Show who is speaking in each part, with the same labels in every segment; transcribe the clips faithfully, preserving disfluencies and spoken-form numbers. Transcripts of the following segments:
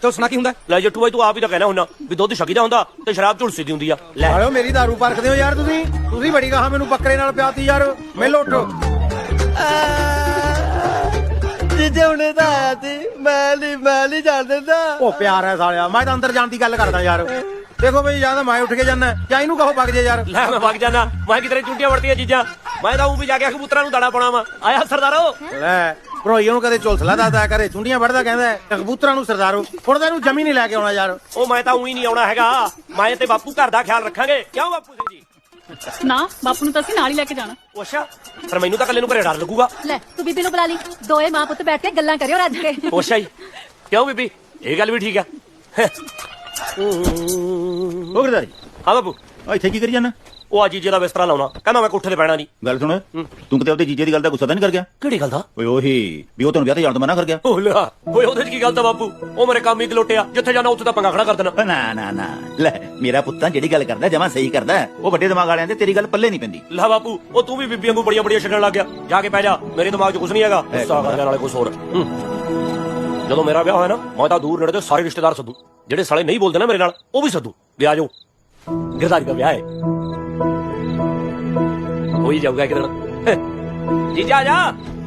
Speaker 1: ਕਿਉਂ ਸੁਣਾ ਕੀ ਹੁੰਦਾ?
Speaker 2: ਲੈ ਜੱਟੂ ਬਾਈ ਤੂੰ ਆਪ ਹੀ ਤਾਂ ਕਹਿਣਾ ਹੁੰਨਾ ਵੀ ਦੁੱਧ ਛਕੀਦਾ ਹੁੰਦਾ ਤੇ ਸ਼ਰਾਬ ਝੁਲਸੀ ਦੀ ਹੁੰਦੀ ਆ। ਲੈ
Speaker 3: ਆਇਓ ਮੇਰੀ ਦਾਰੂ ਪਰਖਦੇ ਹੋ ਯਾਰ ਤੁਸੀਂ ਤੁਸੀਂ ਬੜੀ ਕਹਾ ਮੈਨੂੰ ਬੱਕਰੇ ਨਾਲ ਪਿਆਤੀ ਯਾਰ ਮਿਲ ਉੱਠ।
Speaker 4: ਜੀਜੇ ਹੁਣੇ ਤਾਂ ਆਇਆ ਸੀ ਮੈਂ ਨਹੀਂ ਮੈਂ ਨਹੀਂ ਜਾਣ ਦਿੰਦਾ।
Speaker 3: ਉਹ ਪਿਆਰ ਹੈ ਸਾਲਿਆ ਮੈਂ ਤਾਂ ਅੰਦਰ ਜਾਣ ਦੀ ਗੱਲ ਕਰਦਾ ਯਾਰ। ਦੇਖੋ ਬਈ ਜਾਂ ਤਾਂ ਮੈਂ ਉੱਠ ਕੇ ਜਾਣਾ ਜਾਂ ਇਹਨੂੰ ਕਹੋ ਵਗ ਜੇ ਯਾਰ।
Speaker 2: ਲੈ ਮੈਂ ਵਗ ਜਾਣਾ ਮੈਂ ਕਿਧਰੇ ਚੁੰਟੀਆਂ ਵੜਦੀਆਂ ਚੀਜ਼ਾਂ ਮੈਂ ਤਾਂ ਉਹ ਵੀ ਜਾ ਕੇ ਕਬੂਤਰਾਂ ਨੂੰ ਦਾਣਾ ਪਾਉਣਾ ਵਾ। ਆਇਆ ਸਰਦਾਰੋ
Speaker 3: ਲੈ ਭਰੋਈਏ ਨੂੰ ਕਦੇ ਝੁਲਸਲਾ ਦੱਸਦਾ ਕਰੇ ਚੁੰਡੀਆਂ ਵੜਦਾ ਕਹਿੰਦਾ ਕਬੂਤਰਾਂ ਨੂੰ ਸਰਦਾਰੋ ਹੁਣ ਤਾਂ ਇਹਨੂੰ ਜਮੀ ਨਹੀਂ ਲੈ ਕੇ ਆਉਣਾ ਯਾਰ।
Speaker 2: ਉਹ ਮੈਂ ਤਾਂ ਉਹੀ ਨਹੀਂ ਆਉਣਾ ਹੈਗਾ ਮੈਂ ਤੇ ਬਾਪੂ ਘਰ ਦਾ ਖਿਆਲ ਰੱਖਾਂਗੇ ਕਿਉਂ ਬਾਪੂ ਸਿੰਘ ਜੀ?
Speaker 5: ਨਾ ਬਾਪੂ ਨੂੰ ਤਾਂ ਅਸੀਂ ਨਾਲ ਹੀ ਲੈ ਕੇ ਜਾਣਾ।
Speaker 2: ਅੱਛਾ ਪਰ ਮੈਨੂੰ ਤਾਂ ਕੱਲੇ ਨੂੰ ਘਰੇ ਡਰ ਲੱਗੂਗਾ।
Speaker 6: ਲੈ ਤੂੰ ਬੀਬੀ ਨੂੰ ਬੁਲਾ ਲਈ ਦੋਏ ਮਾਂ ਪੁੱਤ ਬੈਠ ਕੇ ਗੱਲਾਂ ਕਰਿਓ ਰੱਜ ਕੇ।
Speaker 2: ਅੱਛਾ ਜੀ ਕਿਉਂ ਬੀਬੀ ਇਹ ਗੱਲ ਵੀ ਠੀਕ ਆ।
Speaker 7: ਉਹ ਗਰਦਾਰੀ
Speaker 2: ਹਾਂ ਬਾਪੂ
Speaker 7: ਆ ਇੱਥੇ ਕੀ ਕਰੀ ਜਾਣਾ?
Speaker 2: ਉਹ ਆ ਜੀਜੇ ਦਾ ਬਿਸਤਰਾ ਲਾਉਣਾ ਕਹਿੰਦਾ ਮੈਂ ਕੋਠੇ ਤੇ ਪੈਣਾ ਨਹੀਂ।
Speaker 7: ਗੱਲ ਸੁਣ ਤੂੰ ਕਿਤੇ ਉਹਦੇ ਜੀਜੇ ਦੀ ਗੱਲ ਦਾ ਗੁੱਸਾ ਤਾਂ ਨਹੀਂ ਕਰ ਗਿਆ?
Speaker 2: ਕਿਹੜੀ ਗੱਲ ਦਾ?
Speaker 7: ਓਏ ਉਹੀ ਵੀ ਉਹ ਤੈਨੂੰ ਵਿਆਹ ਤੇ ਜਾਣ ਤੋਂ ਮਨਾ ਕਰ ਗਿਆ।
Speaker 2: ਉਹ ਲਿਆ ਓਏ ਉਹਦੇ ਚ ਕੀ ਗੱਲ ਤਾਂ ਬਾਪੂ ਉਹ ਮੇਰੇ ਕੰਮ ਹੀ ਗਲੋਟਿਆ ਜਿੱਥੇ ਜਾਣਾ ਉੱਥੇ ਤਾਂ ਪੰਗਾ ਖੜਾ ਕਰ ਦੇਣਾ।
Speaker 7: ਓ ਨਾ ਨਾ ਨਾ ਲੈ ਮੇਰਾ ਪੁੱਤਾਂ ਜਿਹੜੀ ਗੱਲ ਕਰਦਾ ਜਮਾਂ ਸਹੀ ਕਰਦਾ ਉਹ ਵੱਡੇ ਦਿਮਾਗ ਵਾਲਿਆਂ ਦੇ ਤੇਰੀ ਗੱਲ ਪੱਲੇ ਨਹੀਂ ਪੈਂਦੀ।
Speaker 2: ਲੈ ਬਾਪੂ ਉਹ ਤੂੰ ਵੀ ਬੀਬੀਆਂ ਨੂੰ ਬੜੀਆਂ ਬੜੀਆਂ ਛੱਡਣ ਲੱਗ ਗਿਆ ਜਾ ਕੇ ਪੈ ਜਾ ਮੇਰੇ ਦਿਮਾਗ 'ਚ ਕੁਝ ਨਹੀਂ ਹੈਗਾ ਗੁੱਸਾ ਕਰਨ ਵਾਲੇ ਕੁਝ ਹੋਰ। ਜਦੋਂ ਮੇਰਾ ਵਿਆਹ ਹੋਇਆ ਨਾ ਮੈਂ ਤਾਂ ਦੂਰ ਨੇੜੇ ਦੇ ਸਾਰੇ ਰਿਸ਼ਤੇਦਾਰ ਸੱਦੂ ਜਿਹੜੇ ਸਾਲੇ ਨਹੀਂ ਬੋਲਦੇ ਨਾ ਮੇਰੇ ਨਾਲ ਉਹ ਵੀ ਸੱਦੂ ਵੀ ਆ ਜਾਓ ਗਿਰਦਾਰੀ ਦਾ ਵਿਆਹ ਹੈ ਹੋ ਹੀ ਜਾਊਗਾ ਇੱਕ ਦਿਨ। ਜੀਜਾ ਆ ਜਾ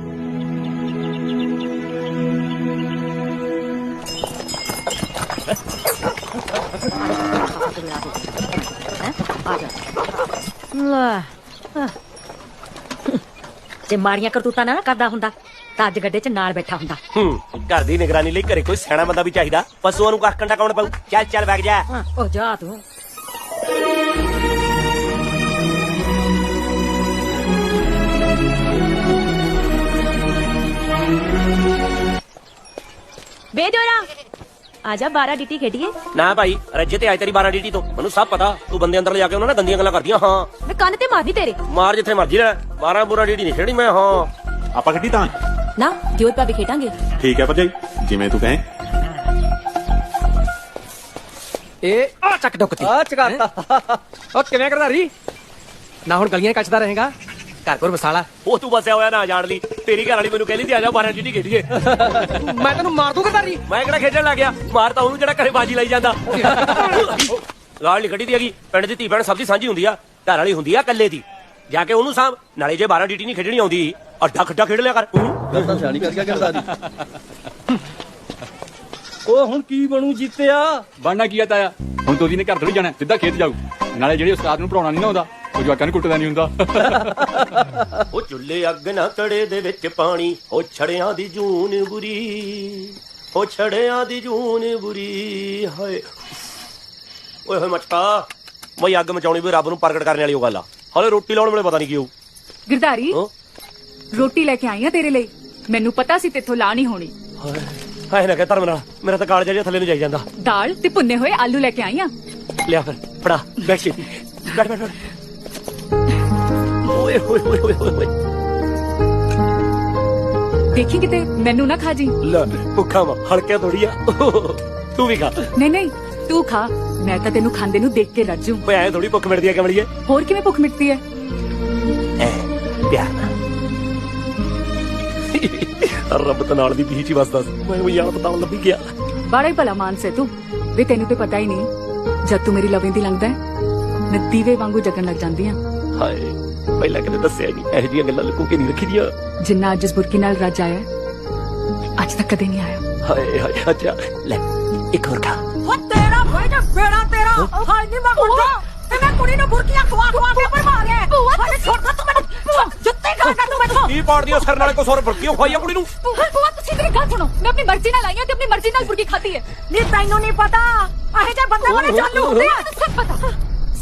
Speaker 6: ਜੇ ਮਾੜੀਆਂ ਕਰਤੂਤਾਂ ਨਾ ਕਰਦਾ ਹੁੰਦਾ ਤਾਂ ਅੱਜ ਗੱਡੇ 'ਚ ਨਾਲ ਬੈਠਾ ਹੁੰਦਾ।
Speaker 2: ਹੂੰ ਘਰ ਦੀ ਨਿਗਰਾਨੀ ਲਈ ਘਰੇ ਕੋਈ ਸਿਆਣਾ ਬੰਦਾ ਵੀ ਚਾਹੀਦਾ ਪਸ਼ੂਆਂ ਨੂੰ ਕੱਖ ਕੰਡਾ ਕੌਣ ਪਾਊ? ਚੱਲ ਚੱਲ ਵਗ ਜਾ।
Speaker 6: ਉਹ ਜਾ ਤੂੰ ਬੇਜੋਰਾ ਆਜਾ ਬਾਰਾਂ ਡੀਟੀ ਖੇਡੀਏ।
Speaker 2: ਨਾ ਭਾਈ ਰੱਜੇ ਤੇ ਆਏ ਤੇਰੀ ਬਾਰਾਂ ਡੀਟੀ ਤੋਂ ਮੈਨੂੰ ਸਭ ਪਤਾ ਤੂੰ ਬੰਦੇ ਅੰਦਰ ਲਿਜਾ ਕੇ ਉਹਨਾਂ ਨਾਲ ਗੰਦੀਆਂ ਗੱਲਾਂ ਕਰਦੀਆਂ। ਹਾਂ
Speaker 6: ਮੈਂ ਕੰਨ ਤੇ ਮਾਰਦੀ ਤੇਰੇ
Speaker 2: ਮਾਰ ਜਿੱਥੇ ਮਰਜੀ ਲੈ ਬਾਰਾਂ ਬੁਰਾ ਡੀਟੀ ਨਹੀਂ ਖੇੜੀ ਮੈਂ। ਹਾਂ
Speaker 8: ਆਪਾਂ ਖੇਡੀ ਤਾਂ
Speaker 6: ਨਾ ਦਿਓਰ ਭਾਬੀ ਖੇਡਾਂਗੇ।
Speaker 8: ਠੀਕ ਹੈ ਭਰਜਾਈ ਜਿਵੇਂ ਤੂੰ ਕਹੇ।
Speaker 1: ਇਹ ਆ ਚੱਕ ਡੁੱਕਤੀ
Speaker 4: ਆ ਚਕਾਤਾ
Speaker 1: ਉਹ ਕਿਵੇਂ ਗਰਦਾਰੀ ਨਾ ਹੁਣ ਗਲੀਆਂ ਕੱਚਦਾ ਰਹੇਗਾ ਘਰ ਕੋਲ ਵਸਾਲਾ।
Speaker 2: ਉਹ ਤੂੰ ਬਸਿਆ ਹੋਇਆ ਨਾ ਜਾਣ ਲਈ ਤੇਰੀ ਘਰ ਵਾਲੀ ਮੈਨੂੰ ਕਹਿੰਦੀ ਸੀ ਆ ਜਾ ਬਾਰਾਂ ਡੀਟੀ ਖੇਡੀਏ।
Speaker 1: ਮੈਂ ਤੈਨੂੰ ਮਾਰ ਦੂੰ ਗਰਦਾਰੀ।
Speaker 2: ਮੈਂ ਕਿਹੜਾ ਖੇਡਣ ਲੱਗ ਗਿਆ ਮਾਰ ਤਾਂ ਉਹਨੂੰ ਜਿਹੜਾ ਘਰੇ ਬਾਜੀ ਲਾਈ ਜਾਂਦਾ। ਗਾਲ ਨਹੀਂ ਕੱਢੀ ਦੀ ਹੈਗੀ ਪਿੰਡ ਦੀ ਧੀ ਭੈਣ ਸਭ ਦੀ ਸਾਂਝੀ ਹੁੰਦੀ ਆ ਘਰ ਵਾਲੀ ਹੁੰਦੀ ਆ ਕੱਲੇ ਦੀ ਜਾ ਕੇ ਉਹਨੂੰ ਸਾਂਭ ਨਾਲੇ ਜੇ ਬਾਰਾਂ ਡੀਟੀ ਨਹੀਂ ਖੇਡਣੀ ਆਉਂਦੀ ਅੱਡਾ ਖੱਡਾ ਖੇਡ ਲਿਆ ਕਰ।
Speaker 4: ਗੱਲ ਤਾਂ ਸਿਆਣੀ ਕਰ ਗਿਆ ਗਰਦਾਰੀ। ਉਹ ਹੁਣ ਕੀ ਬਣੂ ਜੀਤਿਆ?
Speaker 9: ਬਣਨਾ ਕੀ ਆ ਤਾਇਆ ਹੁਣ ਦੋਦੀ ਨੇ ਘਰ ਥੋੜੀ ਜਾਣਾ ਸਿੱਧਾ ਖੇਤ ਜਾਊ ਨਾਲੇ ਜਿਹੜੇ ਉਸਤਾਦ ਨੂੰ ਪੜਾਉਣਾ ਨਹੀਂ ਨਾ ਆਉਂਦਾ ਉਹ ਜਵਾਕਾਂ ਨੂੰ ਕੁੱਟਦਾ ਨਹੀਂ ਹੁੰਦਾ।
Speaker 2: ਉਹ ਚੁੱਲ੍ਹੇ ਅੱਗ ਨਾ ਕੜੇ ਦੇ ਵਿੱਚ ਪਾਣੀ ਉਹ ਛੜਿਆਂ ਦੀ ਜੂਨ ਬੁਰੀ ਉਹ ਛੜਿਆਂ ਦੀ ਜੂਨ ਬੁਰੀ ਹਾਏ ਓਏ ਹੋਏ ਮਚਕਾ ਮੈਂ ਅੱਗ ਮਚਾਉਣੀ ਵੀ ਰੱਬ ਨੂੰ ਪ੍ਰਗਟ ਕਰਨ ਵਾਲੀ ਉਹ ਗੱਲ ਆ ਹਾਲੇ ਰੋਟੀ ਲਾਉਣ ਵੇਲੇ ਪਤਾ ਨਹੀਂ ਕੀ ਹੋਊ।
Speaker 5: ਗਿਰਦਾਰੀ ਰੋਟੀ ਲੈ ਕੇ ਆਈ ਆ ਤੇਰੇ ਲਈ ਮੈਨੂੰ ਪਤਾ ਸੀ ਤੇਥੋਂ ਲਾ ਨਹੀਂ ਹੋਣੀ।
Speaker 2: ਹਾਏ ਨਾ ਕਹਿ ਧਰਮ ਨਾਲ ਮੇਰਾ ਤਾਂ ਕਾਲਜਾ ਜਿਹਾ ਥੱਲੇ ਨੂੰ ਜਾਈ ਜਾਂਦਾ।
Speaker 5: ਦਾਲ ਤੇ ਭੁੰਨੇ ਹੋਏ ਆਲੂ ਲੈ ਕੇ ਆਈ ਆ।
Speaker 2: ਲਿਆ ਫਿਰ ਫੜਾ ਬੈਠ ਛੇਤੀ ਬੈਠ ਬੈਠ ਓਏ ਹੋਏ ਹੋਏ ਹੋਏ ਹੋਏ
Speaker 5: ਦੇਖੀ ਕਿਤੇ ਮੈਨੂੰ ਨਾ ਖਾ ਜੀ।
Speaker 2: ਲੈ ਭੁੱਖਾ ਵਾ ਹਲਕਿਆ ਥੋੜੀ ਆ ਤੂੰ ਵੀ ਖਾ।
Speaker 5: ਨਹੀਂ ਨਹੀਂ ਤੂੰ ਖਾ ਮੈਂ ਤਾਂ ਤੈਨੂੰ ਖਾਂਦੇ ਨੂੰ ਦੇਖ ਕੇ ਰੱਜੂ।
Speaker 2: ਓਏ ਐ ਥੋੜੀ ਭੁੱਖ ਮਿਟਦੀ ਆ ਕਮਲੀਏ।
Speaker 5: ਹੋਰ ਕਿਵੇਂ ਭੁੱਖ ਮਿਟਦੀ ਹੈ?
Speaker 2: ਐ ਪਿਆਰ ਨਾਲ ਰੱਬ ਤਾਂ ਨਾਲ ਦੀ ਬੀਚ ਹੀ ਵਸਦਾ ਸੀ ਮੈਂ ਉਹ ਯਾਦ ਪਤਾਉਣ ਲੱਭੀ ਗਿਆ।
Speaker 5: ਬੜਾ ਹੀ ਭਲਾ ਮਾਨਸ ਹੈ ਤੂੰ ਵੀ ਤੈਨੂੰ ਤੇ ਪਤਾ ਹੀ ਨਹੀਂ ਜਦ ਤੂੰ ਮੇਰੀ ਲਵੇਂ ਦੀ ਲੰਘਦਾ ਮੈਂ ਦੀਵੇ ਵਾਂਗੂ ਜਗਣ ਲੱਗ ਜਾਂਦੀ ਆ।
Speaker 2: ਹਾਏ ਪਹਿਲਾਂ ਕਦੇ ਦੱਸਿਆ ਨਹੀਂ ਇਹੋ ਜਿਹੀਆਂ ਗੱਲਾਂ ਲੁਕੋ ਕੇ ਨਹੀਂ ਰੱਖੀ ਦੀਆਂ।
Speaker 5: ਜਿੰਨਾ ਅੱਜ ਇਸ ਬੁਰਕੀ ਨਾਲ ਰੱਜ ਆਇਆ ਅੱਜ ਤੱਕ ਕਦੇ ਨਹੀਂ ਆਇਆ।
Speaker 2: ਹਾਏ ਹਾਏ ਅੱਛਾ ਲੈ ਇੱਕ ਹੋਰ ਖਾ।
Speaker 6: ਉਹ ਤੇਰਾ ਭਾਈ ਦਾ ਬੇੜਾ ਤੇਰਾ ਹਾਏ ਨਹੀਂ ਮੈਂ ਮੁੰਡਾ ਤੇ ਮੈਂ ਕੁੜੀ ਨੂੰ ਬੁਰਕੀਆਂ ਖਵਾ ਖਵਾ ਕੇ ਪਰ ਮਾਰਿਆ। ਹਾਏ ਛੋਟਾ ਤੂੰ ਮੈਨੂੰ ਜੁੱਤੇ ਖਾਣਾ ਤੂੰ ਮੈਨੂੰ
Speaker 2: ਕੀ ਪਾੜਦੀ ਆ ਸਿਰ ਨਾਲੇ ਕੋ ਸੌਰ ਬਰਕੀਓ ਖਵਾਈ ਆ ਕੁੜੀ ਨੂੰ।
Speaker 5: ਬੁਆ ਤੁਸੀਂ ਮੇਰੀ ਗੱਲ ਸੁਣੋ ਮੈਂ ਆਪਣੀ ਮਰਜ਼ੀ ਨਾਲ ਆਈ ਹਾਂ ਤੇ ਆਪਣੀ ਮਰਜ਼ੀ ਨਾਲ ਬੁਰਕੀ ਖਾਧੀ ਹੈ।
Speaker 6: ਨਹੀਂ ਤੈਨੂੰ ਨਹੀਂ ਪਤਾ ਇਹ ਜੇ ਬੰਦੇ ਬੜੇ ਚਾਲੂ ਹੁੰਦੇ ਆ।
Speaker 5: ਸਭ ਪਤਾ